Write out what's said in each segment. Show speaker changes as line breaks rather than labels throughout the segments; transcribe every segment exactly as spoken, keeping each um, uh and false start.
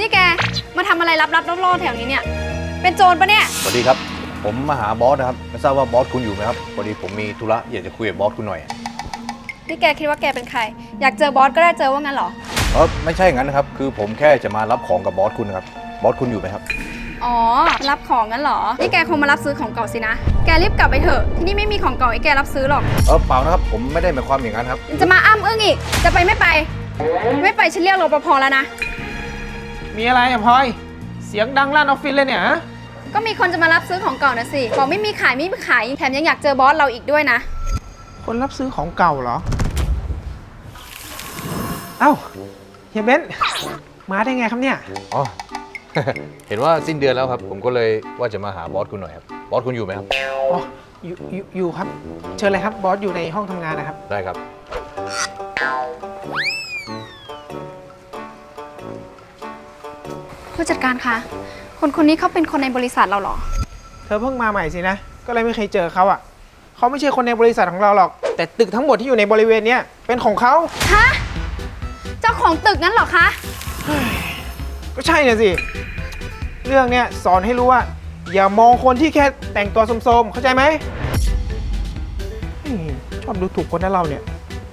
นี่แกมาทำอะไรลับๆล่อๆแถวนี้เนี่ยเป็นโจรปะเนี่ย
สวัสดีครับผมมาหาบอสนะครับไม่ทราบว่าบอสคุณอยู่ไหมครับพอดีผมมีธุระอยากจะคุยกับบอสคุณหน่อย
นี่แกคิดว่าแกเป็นใครอยากเจอบอสก็ได้เจอว่างั้นเหรอ
เออไม่ใช่งั้นนะครับคือผมแค่จะมารับของกับบอสคุณนะครับบอสคุณอยู่ไหมครับ
อ๋อรับของงั้นเหรอนี่แกคงมารับซื้อของเก่าสินะแกรีบกลับไปเถอะที่นี่ไม่มีของเก่าให้แกรับซื้อหรอก
เออเปล่านะครับผมไม่ได้หมายความอย่างนั้นครับ
จะมาอ้ำอึ้งอีกจะไปไม่ไปไม่ไปฉันเรียกรปภแล้วนะ
มีอะไรอะพลอยเสียงดังลั่นออฟฟิศเลยเนี่ย
ก็มีคนจะมารับซื้อของเก่านะสิบอกไม่มีขายไม่มีขายแถมยังอยากเจอบอสเราอีกด้วยนะ
คนรับซื้อของเก่าเหรอเอ้าเฮียเบนซ์มาได้ไงครับเนี่ย
อ๋อ เห็นว่าสิ้นเดือนแล้วครับผมก็เลยว่าจะมาหาบอสคุณหน่อยครับบอสคุณอยู่ไหมครับ
อ๋ออยู่อยู่อยู่ครับเชิญเลยครับบอสอยู่ในห้องทำงานนะครับ
ได้ครับ
ผู้จัดการคะคนคนนี้เขาเป็นคนในบริษัทเราเหรอ
เธอเพิ่งมาใหม่สินะก็เลยไม่เคยเจอเขาอ่ะเขาไม่ใช่คนในบริษัทของเราหรอกแต่ตึกทั้งหมดที่อยู่ในบริเวณนี้เป็นของเขา
ฮะเจ้าของตึกนั้นเหรอคะ
ก็ใช่น่ะสิเรื่องเนี้ยสอนให้รู้ว่าอย่ามองคนที่แค่แต่งตัวโสมๆเข้าใจไหมชอบดูถูกคนนั้นเราเนี่ย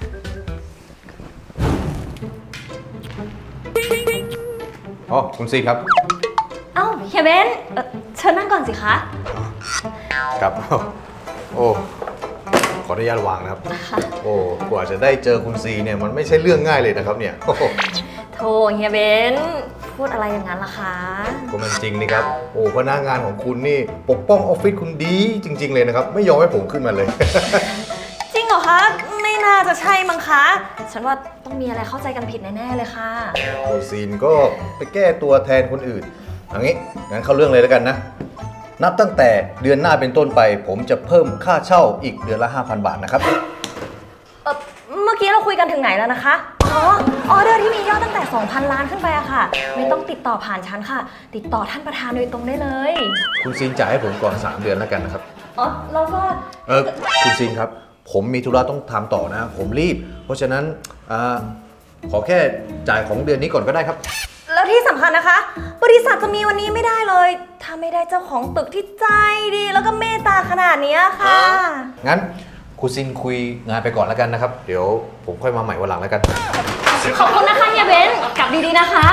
อ๋อคุณซีครับ
เอ้าเฮียเบนซ์เชิญนั่งก่อนสิคะ
ครับโอ้ขออนุญาตวางนะครับโอ้กว่าจะได้เจอคุณซีเนี่ยมันไม่ใช่เรื่องง่ายเลยนะครับเนี่ย
โธ่เฮียเบนซ์พูดอะไรอย่างนั้นล่ะคะ
ก็มันจริงนี่ครับโอ้พนักงานของคุณนี่ปกป้องออฟฟิศคุณดีจริงๆเลยนะครับไม่ยอมให้ผมขึ้นมาเลย
จริงเหรอคะไม่น่าจะใช่มั้งคะฉันว่าต้องมีอะไรเข้าใจกันผิดแน่ๆเลยค่ะ
โอซีนก็ไปแก้ตัวแทนคนอื่นอย่างนี้งั้นเข้าเรื่องเลยแล้วกันนะนับตั้งแต่เดือนหน้าเป็นต้นไปผมจะเพิ่มค่าเช่าอีกเดือนละ ห้าพัน บาทนะครับ
เออเมื่อกี้เราคุยกันถึงไหนแล้วนะคะอ๋อออเดอร์ที่มียอดตั้งแต่ สองพัน ล้านขึ้นไปอะค่ะไม่ต้องติดต่อผ่านฉันค่ะติดต่อท่านประธานโดยตรงได้เลย
คุณซีนจ่ายให้ผมก่อนสามเดือนแล้วกันนะครับ
อ๋อแล้วก็
เออคุณซีนครับผมมีธุระต้องทำต่อนะผมรีบเพราะฉะนั้นอ่าขอแค่จ่ายของเดือนนี้ก่อนก็ได้ครับ
แล้วที่สำคัญนะคะบริษัทจะมีวันนี้ไม่ได้เลยถ้าไม่ได้เจ้าของตึกที่ใจดีแล้วก็เมตตาขนาดนี้ค่ะ
งั้นคุณซินคุยงานไปก่อนแล้วกันนะครับเดี๋ยวผมค่อยมาใหม่วันหลังแล้วกัน
ขอบคุณนะคะเฮียเบนซ์กลับดีๆนะคะ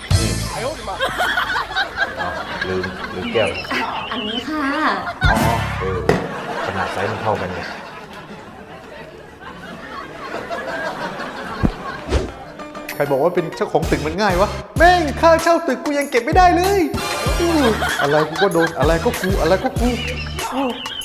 ลืมลืมแก้ว
อันนี้ค่ะ
อ๋อเออขนาดไซส์มันเท่ากันเนี่ยใครบอกว่าเป็นเจ้าของตึกมันง่ายวะแม่งค่าเช่าตึกกูยังเก็บไม่ได้เลยอะไรกูก็โดนอะไรก็กูอะไรก็กู